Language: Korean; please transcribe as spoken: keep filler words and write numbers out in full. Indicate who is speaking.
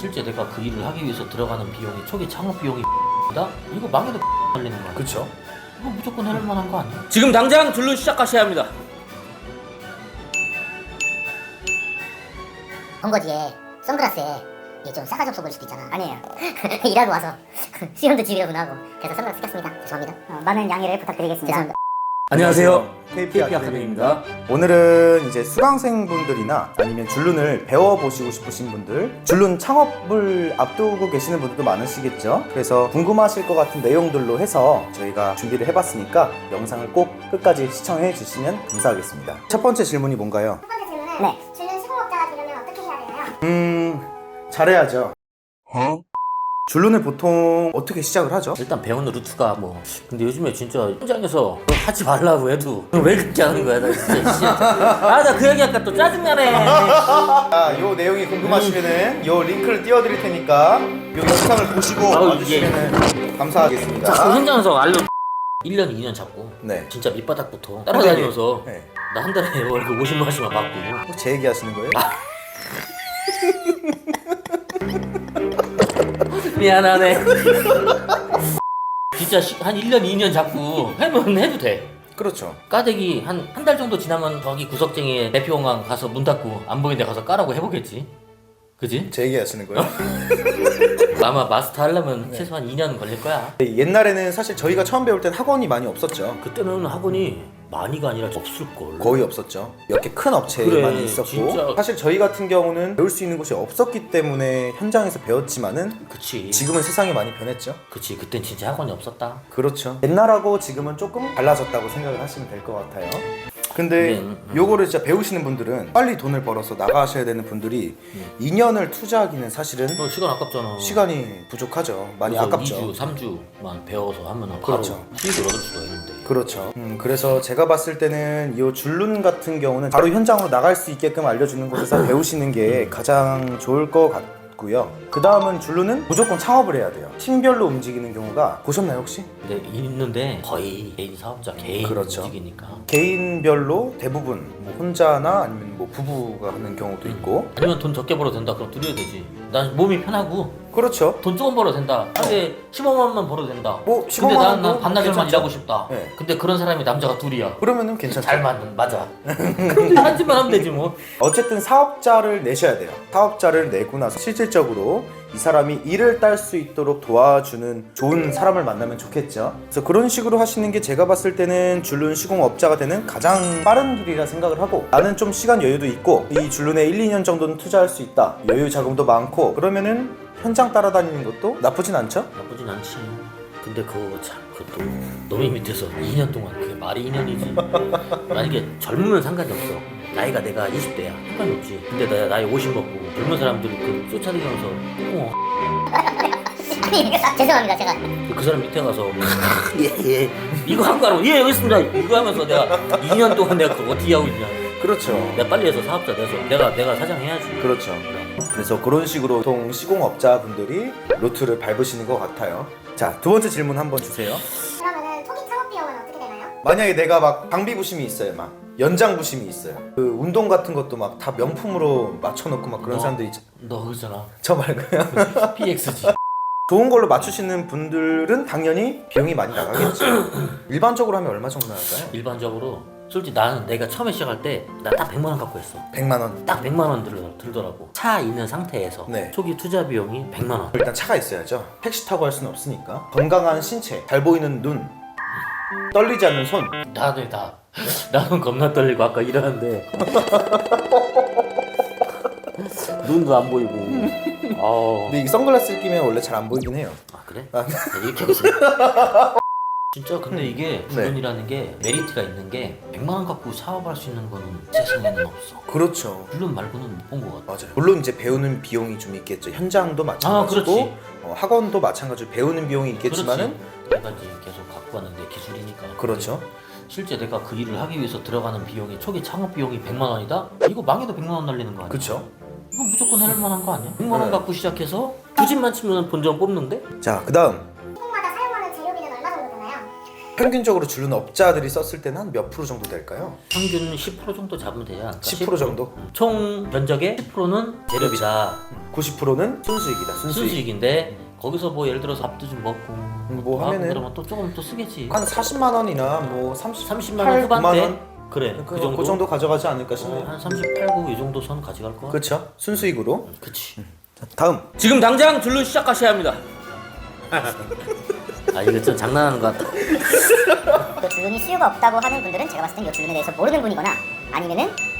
Speaker 1: 실제 내가 그 일을 하기 위해서 들어가는 비용이 초기 창업 비용이 다 이거 망해도 걸리는 거 아니야?
Speaker 2: 그쵸?
Speaker 1: 이거 무조건 해낼 만한 거 아니야?
Speaker 3: 지금 당장 줄눈 시작하셔야 합니다.
Speaker 4: 번거지에 선글라스에 이게 좀 싸가지 없어 보일 수도 있잖아. 아니에요. 일하고 와서 시험도 지으려고 하고 그래서 선글라스 꼈습니다. 죄송합니다. 어, 많은 양해를 부탁드리겠습니다. 죄송합니다.
Speaker 3: 안녕하세요.
Speaker 2: 케이피
Speaker 3: 케이피
Speaker 2: 아카데미입니다.
Speaker 3: 아카데미입니다.
Speaker 2: 오늘은 이제 수강생분들이나 아니면 줄눈을 배워보시고 싶으신 분들, 줄눈 창업을 앞두고 계시는 분들도 많으시겠죠. 그래서 궁금하실 것 같은 내용들로 해서 저희가 준비를 해봤으니까 영상을 꼭 끝까지 시청해 주시면 감사하겠습니다. 첫 번째 질문이 뭔가요?
Speaker 4: 첫 번째 질문은 네. 줄눈 시공업자가 되려면 어떻게 해야 되나요?
Speaker 2: 음... 잘해야죠. 어? 줄눈을 보통 어떻게 시작을 하죠?
Speaker 1: 일단 배우는 루트가 뭐 근데 요즘에 진짜 현장에서 그거 하지 말라고 해도 왜 그렇게 하는 거야 나 진짜 아 나 그 얘기하니까 또 짜증나네.
Speaker 2: 자, 요 내용이 궁금하시면은 요 링크를 띄워드릴 테니까 요 영상을 보시고
Speaker 1: 아우,
Speaker 2: 와주시면 감사하겠습니다.
Speaker 1: 자, 그 현장에서 알로 일 년, 이 년 잡고
Speaker 2: 네.
Speaker 1: 진짜 밑바닥부터 따라다니면서
Speaker 2: 네.
Speaker 1: 나 한 달에 월급 오십만 원씩만 받고
Speaker 2: 혹시 제 얘기 하시는 거예요?
Speaker 1: 미안하네. 진짜 시- 한 일 년, 이 년 잡고 해면 해도 돼.
Speaker 2: 그렇죠.
Speaker 1: 까대기 한 한 달 정도 지나면 저기 구석쟁이에 대표공항 가서 문 닫고 안 보이는 데 가서 까라고 해보겠지. 그지?
Speaker 2: 제 얘기 하시는 거예요?
Speaker 1: 아마 마스터 하려면 최소한 이 년 걸릴 거야.
Speaker 2: 옛날에는 사실 저희가 처음 배울 땐 학원이 많이 없었죠.
Speaker 1: 그때는 학원이 많이가 아니라 없을걸.
Speaker 2: 거의 없었죠. 몇 개 큰 업체에
Speaker 1: 그래,
Speaker 2: 많이 있었고
Speaker 1: 진짜.
Speaker 2: 사실 저희 같은 경우는 배울 수 있는 곳이 없었기 때문에 현장에서 배웠지만은
Speaker 1: 그치.
Speaker 2: 지금은 세상이 많이 변했죠.
Speaker 1: 그치. 그땐 진짜 학원이 없었다.
Speaker 2: 그렇죠. 옛날하고 지금은 조금 달라졌다고 생각을 하시면 될 것 같아요. 근데
Speaker 1: 네, 음, 음.
Speaker 2: 요거를 진짜 배우시는 분들은 빨리 돈을 벌어서 나가셔야 되는 분들이 이 년을 투자하기는 사실은
Speaker 1: 너 시간 아깝잖아.
Speaker 2: 시간이 부족하죠. 많이
Speaker 1: 그래서
Speaker 2: 아깝죠.
Speaker 1: 이 주, 삼 주만 배워서 하면
Speaker 2: 그렇죠.
Speaker 1: 바로 수익을 얻을 수가 있는데.
Speaker 2: 그렇죠. 음, 그래서 제가 봤을 때는 이 줄눈 같은 경우는 바로 현장으로 나갈 수 있게끔 알려주는 곳에서 배우시는 게 가장 좋을 것 같고요. 그 다음은 줄눈은 무조건 창업을 해야 돼요. 팀별로 움직이는 경우가 보셨나요 혹시?
Speaker 1: 근데 있는데 거의 개인 사업자, 개인
Speaker 2: 그렇죠.
Speaker 1: 움직이니까.
Speaker 2: 개인별로 대부분 뭐 혼자나 아니면 뭐 부부가 하는 경우도 있고.
Speaker 1: 아니면 돈 적게 벌어도 된다. 그럼 둘이야 되지. 난 몸이 편하고
Speaker 2: 그렇죠.
Speaker 1: 돈 조금 벌어도 된다. 근데 십오만 원만 벌어도 된다.
Speaker 2: 뭐
Speaker 1: 근데
Speaker 2: 십오만
Speaker 1: 난,
Speaker 2: 원도
Speaker 1: 난 반나절만
Speaker 2: 괜찮죠.
Speaker 1: 일하고 싶다.
Speaker 2: 네.
Speaker 1: 근데 그런 사람이 남자가 둘이야.
Speaker 2: 그러면은 괜찮죠.
Speaker 1: 잘 맞는 맞아. 그럼 한 집만 하면 되지 뭐.
Speaker 2: 어쨌든 사업자를 내셔야 돼요. 사업자를 내고 나서 실질적으로 이 사람이 일을 딸 수 있도록 도와주는 좋은 사람을 만나면 좋겠죠. 그래서 그런 식으로 하시는 게 제가 봤을 때는 줄눈 시공업자가 되는 가장 빠른 길이라 생각을 하고, 나는 좀 시간 여유도 있고 이 줄눈에 일, 이 년 정도는 투자할 수 있다, 여유 자금도 많고, 그러면은 현장 따라다니는 것도 나쁘진 않죠?
Speaker 1: 나쁘진 않지. 근데 그거 참 그것도 너무 밑에서 이 년 동안 그게 말이 이 년이지. 만약에 젊으면 상관이 없어. 나이가 내가 이십 대야 상관이 없지. 근데 나 나이 오십 먹고 젊은 사람들이 그 쫓아다니면서 어,
Speaker 4: 아니 죄송합니다 제가.
Speaker 1: 그 사람 밑에 가서 예예 이거 한 거 하라고 예 여기 있습니다 이거 하면서 내가 이 년 동안 내가 그거 어떻게 하고 있냐.
Speaker 2: 그렇죠.
Speaker 1: 내가 빨리 해서 사업자 돼서 내가 내가 사장 해야지.
Speaker 2: 그렇죠. 그래서 그런 식으로 보통 시공업자분들이 루트를 밟으시는 것 같아요. 자, 두 번째 질문 한번 주세요.
Speaker 4: 그러면은 초기 창업 비용은 어떻게 되나요?
Speaker 2: 만약에 내가 막 방비 부심이 있어요, 막 연장 부심이 있어요. 그 운동 같은 것도 막 다 명품으로 맞춰놓고 막 그런
Speaker 1: 너,
Speaker 2: 사람들 있죠.
Speaker 1: 너 그잖아.
Speaker 2: 저 말고요.
Speaker 1: 피엑스지.
Speaker 2: 좋은 걸로 맞추시는 분들은 당연히 비용이 많이 나가겠죠. 일반적으로 하면 얼마 정도 나갈까요?
Speaker 1: 일반적으로 솔직히 나는 내가 처음에 시작할 때 나 딱 백만 원 갖고 했어.
Speaker 2: 백만 원.
Speaker 1: 딱 백만 원 들, 들더라고. 차 있는 상태에서
Speaker 2: 네.
Speaker 1: 초기 투자 비용이 백만 원.
Speaker 2: 일단 차가 있어야죠. 택시 타고 할 수는 없으니까. 건강한 신체, 잘 보이는 눈, 떨리지 않는 손.
Speaker 1: 다들 다 나는 겁나 떨리고 아까 일하는데 눈도 안 보이고. 아,
Speaker 2: 근데 이 선글라스를 끼면 원래 잘 안 보이긴 해요.
Speaker 1: 아 그래?
Speaker 2: 아.
Speaker 1: 야, 이렇게 하겠어. 진짜 근데 이게 줄눈이라는 게 메리트가 있는 게 백만 원 갖고 사업할 수 있는 거는 세상에는 없어.
Speaker 2: 그렇죠.
Speaker 1: 줄눈 말고는 못 본 것 같아.
Speaker 2: 맞아요. 물론 이제 배우는 비용이 좀 있겠죠. 현장도
Speaker 1: 아,
Speaker 2: 마찬가지고
Speaker 1: 그렇지.
Speaker 2: 어, 학원도 마찬가지로 배우는 비용이 있겠지만은
Speaker 1: 그렇지. 내가 이제 계속 갖고 가는 게 기술이니까.
Speaker 2: 그렇죠.
Speaker 1: 실제 내가 그 일을 하기 위해서 들어가는 비용이 초기 창업 비용이 백만 원이다? 이거 망해도 백만 원 날리는 거 아니야?
Speaker 2: 그렇죠.
Speaker 1: 이거 무조건 해낼 만한 거 아니야? 백만 원
Speaker 2: 네.
Speaker 1: 갖고 시작해서 두 집만 치면 본전 뽑는데?
Speaker 2: 자, 그다음
Speaker 4: 시공마다 사용하는 재료비는 얼마 정도 되나요?
Speaker 2: 평균적으로 줄눈 업자들이 썼을 때는 한 몇 프로 정도 될까요?
Speaker 1: 평균 십 퍼센트 정도 잡으면 되지 않을까?
Speaker 2: 십 퍼센트 정도?
Speaker 1: 총 면적의 십 퍼센트는 재료비다.
Speaker 2: 구십 퍼센트는 순수익이다. 순수익.
Speaker 1: 순수익인데 거기서 뭐 예를 들어서 밥도 좀 먹고
Speaker 2: 뭐 하면은
Speaker 1: 그러면 또 조금 또 쓰겠지.
Speaker 2: 한 사십만 원이나 뭐 삼십,
Speaker 1: 삼십만 원 후반대?
Speaker 2: 구만 원?
Speaker 1: 그래
Speaker 2: 그,
Speaker 1: 그 정도.
Speaker 2: 그 정도 가져가지 않을까
Speaker 1: 어,
Speaker 2: 싶네요.
Speaker 1: 한 삼십팔, 구 이 정도 선 가져갈 거야.
Speaker 2: 그렇죠. 순수익으로.
Speaker 1: 그치.
Speaker 2: 자, 다음.
Speaker 3: 지금 당장 줄눈 시작하셔야 합니다.
Speaker 1: 아 이거 좀 장난하는 것 같다.
Speaker 4: 그 줄눈이 수요가 없다고 하는 분들은 제가 봤을 땐 이 줄눈에 대해서 모르는 분이거나 아니면은